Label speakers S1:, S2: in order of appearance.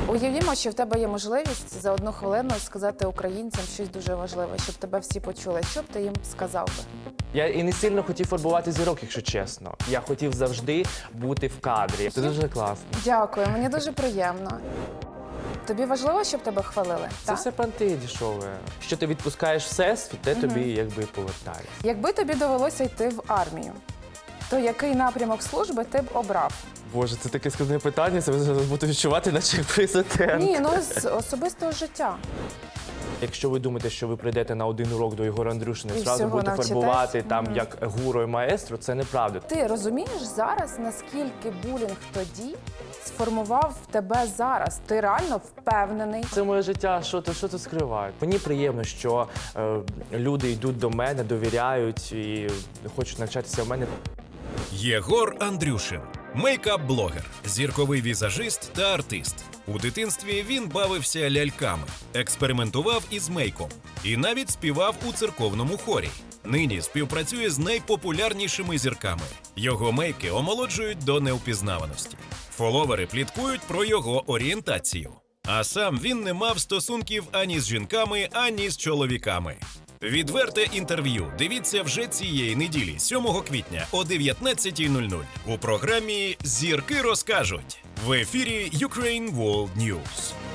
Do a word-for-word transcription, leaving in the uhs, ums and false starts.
S1: Уявімо, що в тебе є можливість за одну хвилину сказати українцям щось дуже важливе, щоб тебе всі почули. Що б ти їм сказав би?
S2: Я і не сильно хотів фарбувати зірок, якщо чесно. Я хотів завжди бути в кадрі. Це дуже класно.
S1: Дякую, мені дуже приємно. Тобі важливо, щоб тебе хвалили?
S2: Це
S1: так?
S2: все панти дешеве. Що ти відпускаєш всесвіт, те тобі якби повертає.
S1: Якби тобі довелося йти в армію, то який напрямок служби ти б обрав?
S2: Боже, це таке складне питання, це зараз буду відчувати, наче як президент.
S1: Ні, ну з особистого життя.
S2: Якщо ви думаєте, що ви прийдете на один урок до Єгора Андрюшина і
S1: І
S2: зразу
S1: всього
S2: будете
S1: навчитесь?
S2: фарбувати там
S1: Мгм.
S2: як гуру і маестро, це неправда.
S1: Ти розумієш зараз, наскільки булінг тоді сформував тебе зараз? Ти реально впевнений?
S2: Це моє життя, що ти, що ти скривають? Мені приємно, що е, люди йдуть до мене, довіряють і хочуть навчатися в мене.
S3: Єгор Андрюшин – мейкап-блогер, зірковий візажист та артист. У дитинстві він бавився ляльками, експериментував із мейком і навіть співав у церковному хорі. Нині співпрацює з найпопулярнішими зірками. Його мейки омолоджують до неупізнаваності. Фоловери пліткують про його орієнтацію. А сам він не мав стосунків ані з жінками, ані з чоловіками. Відверте інтерв'ю дивіться вже цієї неділі, сьомого квітня о дев'ятнадцятій нуль нуль у програмі «Зірки розкажуть» в ефірі Ukraine World News.